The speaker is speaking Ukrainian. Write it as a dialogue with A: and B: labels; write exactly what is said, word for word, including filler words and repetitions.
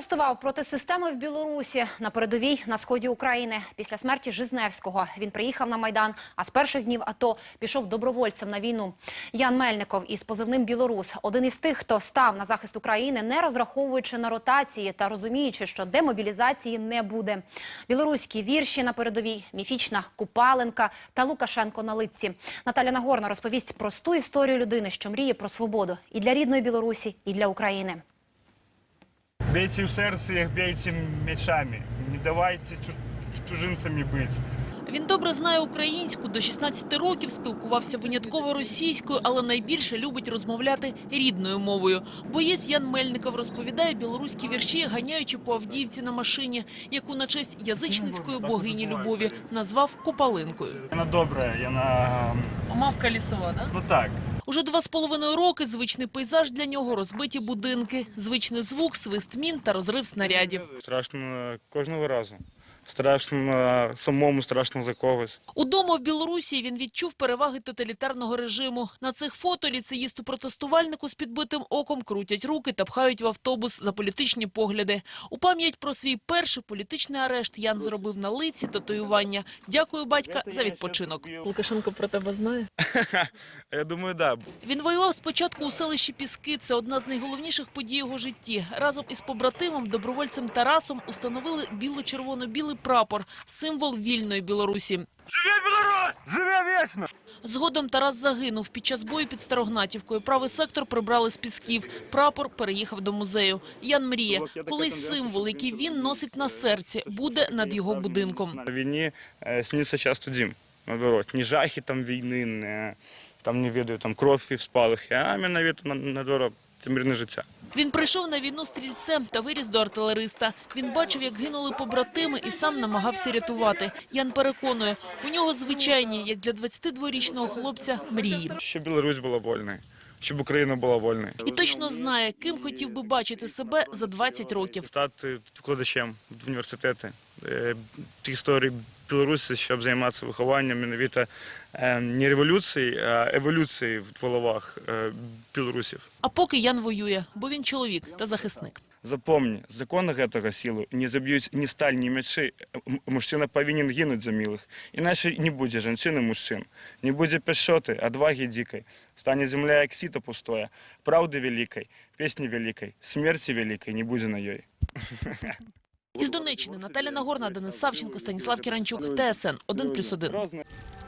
A: Протестував проти системи в Білорусі на передовій на сході України. Після смерті Жизневського він приїхав на Майдан, а з перших днів АТО пішов добровольцем на війну. Ян Мельников із позивним «Білорус» – один із тих, хто став на захист України, не розраховуючи на ротації та розуміючи, що демобілізації не буде. Білоруські вірші на передовій, міфічна Купаленка та Лукашенко на литці. Наталя Нагорна розповість просту історію людини, що мріє про свободу і для рідної Білорусі, і для України.
B: Бейте в серце їх, бейте мечами. Не давайте чужинцями бути.
C: Він добре знає українську, до шістнадцяти років спілкувався винятково російською, але найбільше любить розмовляти рідною мовою. Боєць Ян Мельников розповідає білоруські вірші, ганяючи по Авдіївці на машині, яку на честь язичницької богині любові назвав Купалинкою.
B: Вона добра, вона...
C: Мавка лісова, да?
B: Ну так.
C: Уже два з половиною роки звичний пейзаж для нього – розбиті будинки, звичний звук, свист мін та розрив снарядів.
B: Страшно кожного разу. Страшно самому, страшно за когось.
C: Удома в Білорусі він відчув переваги тоталітарного режиму. На цих фото ліцеїсту-протестувальнику з підбитим оком крутять руки та пхають в автобус за політичні погляди. У пам'ять про свій перший політичний арешт Ян зробив на лиці татуювання. Дякую, батька, за відпочинок. Лукашенко про тебе знає?
B: Я думаю, так. Да.
C: Він воював спочатку у селищі Піски. Це одна з найголовніших подій його житті. Разом із побратимом, добровольцем Тарасом установили біло-червоно-білий прапор – символ вільної Білорусі.
B: Живе Білорусь! Живе вічно!
C: Згодом Тарас загинув під час бою під Старогнатівкою. Правий сектор прибрали з Пісків. Прапор переїхав до музею. Ян мріє, колись символ, який він носить на серці, буде над його будинком.
B: На війні сниться часто дім, наоборот. Не жахи там війни, не, там, не веду, там кров і спалахи, а іменно наоборот, це мирне життя.
C: Він прийшов на війну стрільцем та виріс до артилериста. Він бачив, як гинули побратими і сам намагався рятувати. Ян переконує, у нього звичайні, як для двадцятидворічного хлопця, мрії.
B: Щоб Білорусь була вольною, щоб Україна була вольною.
C: І точно знає, ким хотів би бачити себе за двадцять років.
B: Стати викладачем в університеті історії Білорусі, щоб займатися вихованням навіть не революції, а еволюції в головах білорусів.
C: А поки Ян воює, бо він чоловік та захисник.
B: Запомни, закони гэтага сілу не заб'ють ні сталь, ні мечі. Мужчина повинен гинуть за милих. Іначе не буде жінчин і мужчин. Не буде пешоти, адваги дикої. Стане земля, як сито пустое. Правди великої, пісні великої, смерті великої не буде на їй.
C: Із Донеччини Наталя Нагорна, Денис Савченко, Станіслав Кіранчук, Т С Н один плюс один.